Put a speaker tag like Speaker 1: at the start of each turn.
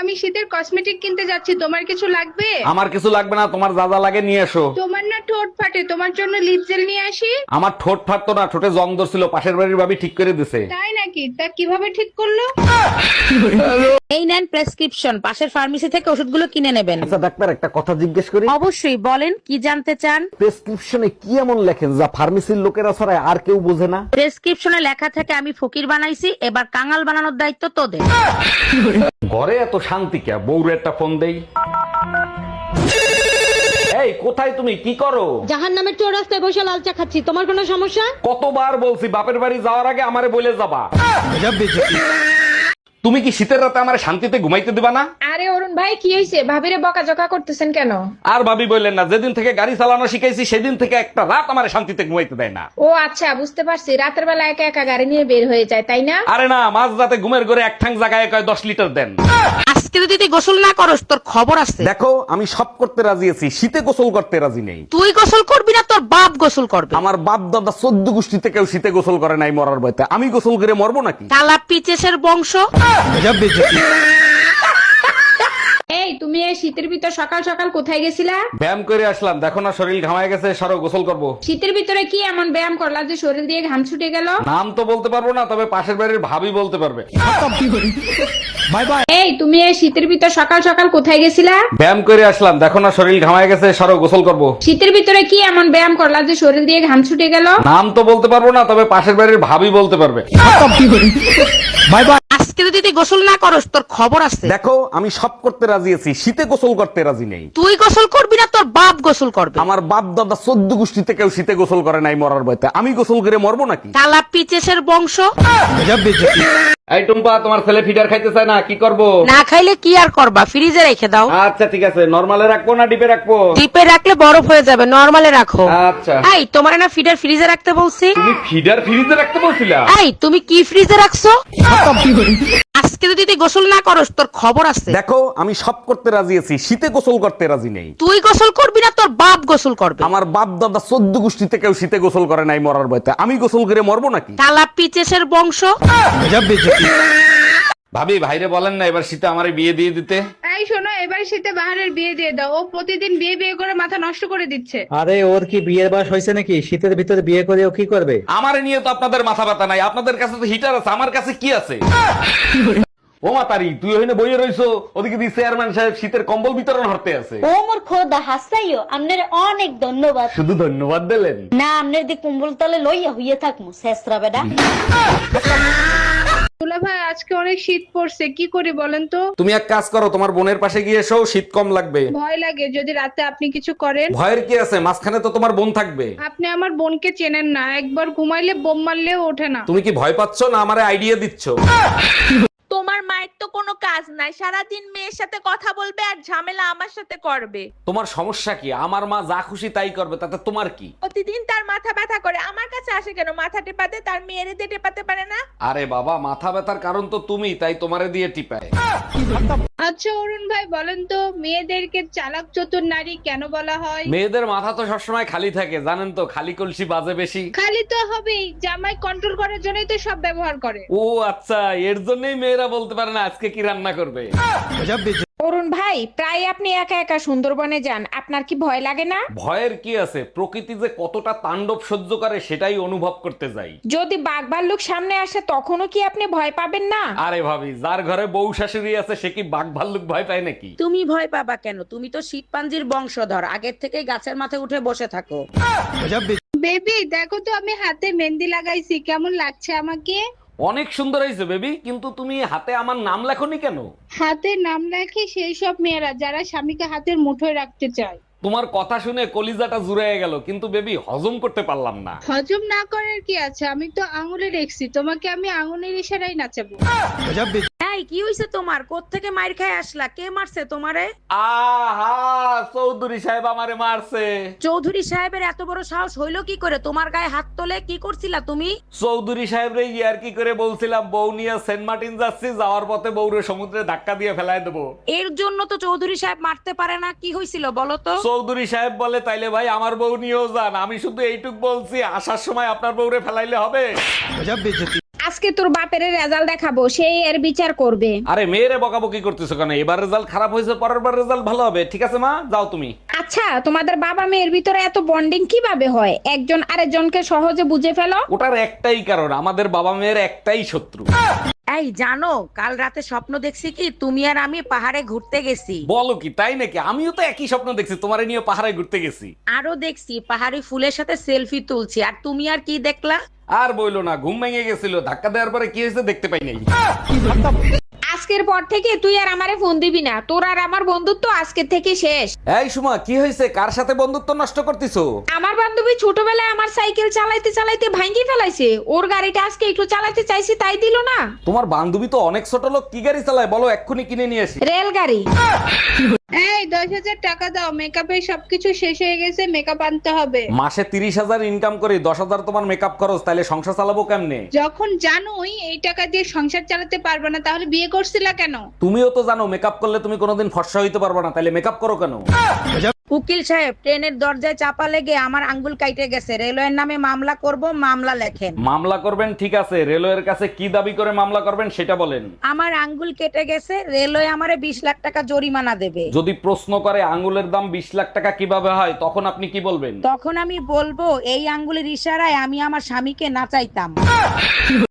Speaker 1: আমি শীতের কসমেটিক কিনতে যাচ্ছি, তোমার কিছু লাগবে?
Speaker 2: আমার কিছু লাগবে না, তোমার যা যা লাগে নিয়ে এসো।
Speaker 1: তোমার না ঠোঁট ফাটে, তোমার জন্য লিপ জেল নিয়ে আসি।
Speaker 2: আমার ঠোঁট ফাটতো না, ঠোঁটে জং ধরছিল, পাশের বাড়ির ভাবি ঠিক করে দিছে।
Speaker 1: তাই নাকি? তা কিভাবে ঠিক করলো?
Speaker 3: এই নেন প্রেসক্রিপশন, পাশের ফার্মেসি থেকে ওষুধগুলো কিনে নেবেন।
Speaker 2: আচ্ছা ডাক্তার, একটা কথা জিজ্ঞেস করি।
Speaker 3: অবশ্যই, বলেন কি জানতে চান।
Speaker 2: প্রেসক্রিপশনে কি এমন লেখেন যা ফার্মেসির লোকেরা ছাড়া আর কেউ বোঝে না?
Speaker 3: প্রেসক্রিপশনে লেখা থাকে আমি ফকির বানাইছি, এবার কাঙাল বানানোর দায়িত্ব তোদের।
Speaker 2: ঘরে এত শান্তি কে? বউরে একটা ফোন দেই। এই কোথায় তুমি, কি করো?
Speaker 4: জাহান নামের চৌরাস্তায় বসে লাল চা খাচ্ছি, তোমার কোনো সমস্যা?
Speaker 2: কতবার বলছি বাপের বাড়ি যাওয়ার আগে আমারে বলে যাবা। তুমি কি শীতের রাতে আমার শান্তিতে ঘুমাইতে দিবা না?
Speaker 1: আরে অরুণ ভাই, কি হয়েছে? ভাবিরে বকাঝকা করতেছেন কেন?
Speaker 2: আর ভাবি বললেন না, যেদিন থেকে গাড়ি চালানো শিখাইছি সেদিন থেকে একটা রাত আমার শান্তিতে ঘুমাইতে দেয় না।
Speaker 1: ও আচ্ছা, বুঝতে পারছি। রাতের বেলা একা একা গাড়ি নিয়ে বের হয়ে যায়, তাই না?
Speaker 2: আরে না, মাঝ রাতে ঘুমের ঘরে এক ঠাং জায়গায় কয় 10 লিটার দেন।
Speaker 3: আজকে যদি তুই গোসল না করস তোর খবর আছে।
Speaker 2: দেখো, আমি সব করতে রাজি আছি, শীতে গোসল করতে রাজি নেই।
Speaker 3: তুই গোসল করবি না, তোর বাপ গোসল করবে।
Speaker 2: আমার বাপ দাদা 14 গোষ্ঠীতে কেউ শীতে গোসল করে নাই মরার ভয়তে, আমি গোসল করে মরবো নাকি?
Speaker 3: কালা পিচেসের বংশ।
Speaker 1: এই তুমি এই শীতের ভিতর সকাল সকাল কোথায় গেছিলা?
Speaker 2: ব্যায়াম করে আসলাম, দেখো না শরীর ঘামায় গেছে, সরো গোসল করবো।
Speaker 1: শীতের ভিতরে কি এমন ব্যায়াম করলা যে শরীর দিয়ে ঘাম ছুটে গেল?
Speaker 2: নাম তো বলতে পারবো না, তবে পাশের বাড়ির ভাবি বলতে পারবে।
Speaker 1: এই তুমি এই শীতের ভিতর সকাল সকাল কোথায় গেছিলা?
Speaker 2: ব্যায়াম করে আসলাম, দেখো না শরীর ঘামায় গেছে, সরো গোসল করবো।
Speaker 1: শীতের ভিতরে কি এমন ব্যায়াম করলা যে শরীর দিয়ে ঘাম ছুটে গেল?
Speaker 2: নাম তো বলতে পারবো না, তবে পাশের বাড়ির ভাবি বলতে পারবে।
Speaker 3: আজকে যদি তুই গোসল না করস তোর খবর আছে।
Speaker 2: দেখো, আমি সব করতে রাজি আছি, শীতে গোসল করতে রাজি নেই।
Speaker 3: তুই গোসল করবি না, তোর বাপ গোসল করবে।
Speaker 2: আমার বাপ দাদা 14 গোষ্ঠীতে কেউ শীতে গোসল করে নাই মরার ভয়তে, আমি গোসল করে মরবো নাকি?
Speaker 3: কালা পিচেসের বংশ।
Speaker 2: এই টুম্পা, তোমার ছেলে ফিডার খাইতে চায় না, কি করবো?
Speaker 3: না খাইলে কি আর করবা, ফ্রিজে রেখে দাও।
Speaker 2: আচ্ছা ঠিক আছে, নরমালে রাখবো না ডিপে রাখবো?
Speaker 3: ডিপে রাখলে বরফ হয়ে যাবে, নরমালে রাখো।
Speaker 2: আচ্ছা।
Speaker 3: এই তোমার না ফিডার ফ্রিজে রাখতে বলছি।
Speaker 2: তুমি ফিডার ফ্রিজে রাখতে বলছিলা?
Speaker 3: এই তুমি কি ফ্রিজে রাখছো? আজকে যদি তুই গোসল না করস তোর খবর আছে।
Speaker 2: দেখো, আমি সব করতে রাজি আছি, শীতে গোসল করতে রাজি নেই।
Speaker 3: তুই গোসল করবি না, তোর বাপ গোসল করবে।
Speaker 2: আমার বাপ দাদা 14 গোষ্ঠীতে কেউ শীতে গোসল করে নাই মরার ভয়তে, আমি গোসল করে মরবো নাকি?
Speaker 3: কালা পিচেসের বংশ।
Speaker 2: ভাবি, ভাইরে বলেন না এবার শীতে আমারে বিয়ে দিয়ে দিতে।
Speaker 1: এই শোনো, এবার শীতে বাহারের বিয়ে দিয়ে দাও। ও প্রতিদিন বিয়ে বিয়ে করে মাথা নষ্ট করে দিচ্ছে।
Speaker 5: আরে ওর কি বিয়ের বয়স হয়েছে নাকি? শীতের ভিতরে বিয়ে করে ও কি করবে?
Speaker 2: আমারে নিয়ে তো আপনাদের মাথা ব্যথা নাই, আপনাদের কাছে তো হিটার আছে, আমার কাছে কি আছে? ও মাতারি, তুই ওখানে বইয়ে রইছো, ওদিকে দি চেয়ারম্যান সাহেব শীতের কম্বল বিতরণ হতে আছে।
Speaker 4: ও মোর খোদা হাসাইও, আপনার অনেক ধন্যবাদ।
Speaker 2: শুধু ধন্যবাদ দিলেন?
Speaker 4: না, আপনার দি কুম্বল তলে লইয়া হইয়া থাকমু শেষরা বেডা।
Speaker 1: দুলা ভাই, আজকে অনেক শীত পড়ছে, কি করি বলেন তো?
Speaker 2: তুমি এক কাজ করো, তোমার বোনের পাশে গিয়ে এসো, শীত কম লাগবে।
Speaker 1: ভয় লাগে যদি রাতে আপনি কিছু করেন।
Speaker 2: ভয়ের কি আছে, মাঝখানে তো তোমার বোন থাকবে।
Speaker 1: আপনি আমার বোনকে চেনেন না, একবার ঘুমাইলে বোম মারলেও ওঠে না।
Speaker 2: তুমি কি ভয় পাচ্ছ না আমারে আইডিয়া দিচ্ছ?
Speaker 6: তোমার মায়ের তো কোনো কাজ নাই, সারাদিন মেয়ের সাথে কথা বলবে আর ঝামেলা আমার সাথে করবে।
Speaker 2: তোমার সমস্যা কি? আমার মা যা খুশি তাই করবে, তাতে তোমার কি?
Speaker 6: প্রতিদিন তার মাথা ব্যথা করে, আমার কাছে আসে কেন মাথা টেপাতে? তার মেয়েরে দিয়ে টেপাতে পারে না?
Speaker 2: আরে বাবা, মাথা ব্যথার কারণ তো তুমি, তাই তোমারে দিয়ে টিপায়।
Speaker 1: আচ্ছা অরুণ ভাই, বলেন তো মেয়েদেরকে চালাক চতুর নারী কেন বলা হয়?
Speaker 2: মেয়েদের মাথা তো সবসময় খালি থাকে, জানেন তো, খালি কলসি বাজে বেশি।
Speaker 1: খালি তো হবেই, জামাই কন্ট্রোল করার জন্যই তো সব ব্যবহার করে।
Speaker 2: ও আচ্ছা, এর জন্যই মেয়েরা বলতে পারে না আজকে কি রান্না করবে।
Speaker 1: অরুণ ভাই, প্রায় আপনি একা একা সুন্দরবনে যান, আপনার কি ভয় লাগে না?
Speaker 2: ভয়ের কি আছে, প্রকৃতি যে কতটা তাণ্ডব সহ্য করে সেটাই অনুভব করতে যাই।
Speaker 1: যদি বাঘ ভাল্লুক সামনে আসে তখনও কি আপনি ভয় পাবেন না?
Speaker 2: আরে ভাবি, যার ঘরে বউ শাশুড়ি আছে সে কি বাঘ ভাল্লুক ভয় পায় নাকি?
Speaker 3: তুমি ভয় পাবা কেন? তুমি তো শীতপাঞ্জির বংশধর, আগের থেকে গাছের মাথায় উঠে বসে থাকো।
Speaker 1: বেবি দেখো তো, আমি হাতে মেহেন্দি লাগাইছি, কেমন লাগছে আমাকে?
Speaker 2: অনেক সুন্দর হয়েছে বেবি, কিন্তু তুমি হাতে আমার নাম লেখনি কেন?
Speaker 1: হাতে নাম রাখে সেই সব মেয়েরা যারা স্বামীকে হাতের মুঠোয় রাখতে চায়।
Speaker 2: তোমার কথা শুনে কলিজাটা জুড়ে গেল, কিন্তু বেবি হজম করতে পারলাম না।
Speaker 1: হজম না করার কি আছে, আমি তো আঙুলে রেখছি, তোমাকে আমি আঙুলের ইশারায় নাচাবো।
Speaker 3: এই কি হইছে তোমার? কোত্থেকে মাইর খায় আসলা? কে মারছে তোমারে?
Speaker 2: আহা, চৌধুরী সাহেব আমারে মারছে।
Speaker 3: চৌধুরী সাহেবের এত বড় সাহস হইলো কি করে তোমার গায়ে হাত তোলে? কি করছিলা তুমি?
Speaker 2: চৌধুরী সাহেব রে ইয়ার কি করে বলছিলাম বউ নিয়ে সেন্ট মার্টিন যাচ্ছি, যাওয়ার পথে বউরে সমুদ্রে ধাক্কা দিয়ে ফেলায় দেবো।
Speaker 3: এর জন্য তো চৌধুরী সাহেব মারতে পারে না। কি হয়েছিল বলো তো?
Speaker 2: চৌধুরী সাহেব বলে, তাইলে ভাই আমার বউ নিয়েও যান। আমি শুধু এইটুক বলছি, আসার সময় আপনার বউরে ফেলাইলে হবে।
Speaker 1: আজকে তোর বাপের রেজাল্ট দেখাবো, সেই এর বিচার করবে।
Speaker 2: আরে মেয়েরে বকাবকি করতেছো কেন? এবার রেজাল্ট খারাপ হয়েছে, পরের বার রেজাল্ট ভালো হবে। ঠিক আছে মা, যাও তুমি।
Speaker 1: আচ্ছা, তোমাদের বাবা মেয়ের ভিতরে এত বন্ডিং কিভাবে হয়? একজন আরেকজনকে সহজে বুঝে ফেলো।
Speaker 2: ওটার একটাই কারণ, আমাদের বাবা মেয়ের একটাই শত্রু।
Speaker 3: এই জানো, কাল রাতে স্বপ্ন দেখছি কি তুমি আর আমি পাহাড়ে ঘুরতে গেছি।
Speaker 2: বলো কি, তাই নাকি? আমিও তো একই স্বপ্ন দেখছি, তোমারে নিয়ে পাহাড়ে ঘুরতে গেছি।
Speaker 3: আরো দেখছি পাহাড়ি ফুলের সাথে সেলফি তুলছি। আর তুমি আর কি দেখলা?
Speaker 2: আর বইলো না, ঘুম ভেঙে গেছিল, ধাক্কা দেওয়ার পরে কি হয়েছে দেখতে পাই নাই।
Speaker 1: আজকের পর থেকে তুই আর আমারে ফোন দিবি না, তোর আর আমার বন্ধুত্ব আজকে থেকে শেষ।
Speaker 2: এই সুমা, কি হয়েছে? কার সাথে বন্ধুত্ব নষ্ট করতেছো?
Speaker 1: আমার বান্ধবী ছোটবেলায় আমার সাইকেল চালাইতে চালাইতে ভাঙি ফেলাইছে, ওর গাড়িটা আজকে একটু চালাতে চাইছি, তাই দিল না।
Speaker 2: তোমার বান্ধবী তো অনেক ছোট লোক, কি গাড়ি চালায় বলো, এক্ষুনি কিনে নিয়ে আসি।
Speaker 1: রেলগাড়ি। এই 10,000 টাকা দাও, মেকআপের সবকিছু শেষ হয়ে গেছে, মেকআপ আনতে হবে।
Speaker 2: মাসে 30,000 ইনকাম করি, 10,000 তোমার মেকআপ খরচ, তাইলে সংসার চালাবো কেমনে?
Speaker 1: যখন জানোই এই টাকা দিয়ে সংসার চালাতে পারবে না, তাহলে বিয়ে করছিলা কেন?
Speaker 2: তুমিও তো জানো মেকআপ করলে তুমি কোনোদিন ফর্সা হইতে পারবে না, তাইলে মেকআপ করো কেন?
Speaker 3: উকিল সাহেব, ট্রেনের দরজায় চাপা লেগে আমার আঙ্গুল কাইটে গেছে, রেলওয়ের নামে মামলা করব, মামলা লেখেন।
Speaker 2: মামলা করবেন, ঠিক আছে, রেলওয়ের কাছে কি দাবি করে মামলা করবেন সেটা বলেন।
Speaker 3: আমার আঙ্গুল কেটে গেছে, রেলওয়ে আমারে 20 লাখ টাকা জরিমানা দেবে।
Speaker 2: যদি প্রশ্ন করে আঙ্গুলের দাম 20 লাখ টাকা কিভাবে হয়, তখন আপনি কি বলবেন?
Speaker 3: তখন আমি বলবো, এই আঙ্গুলের ইশারায় আমি আমার স্বামীকে নাচাইতাম।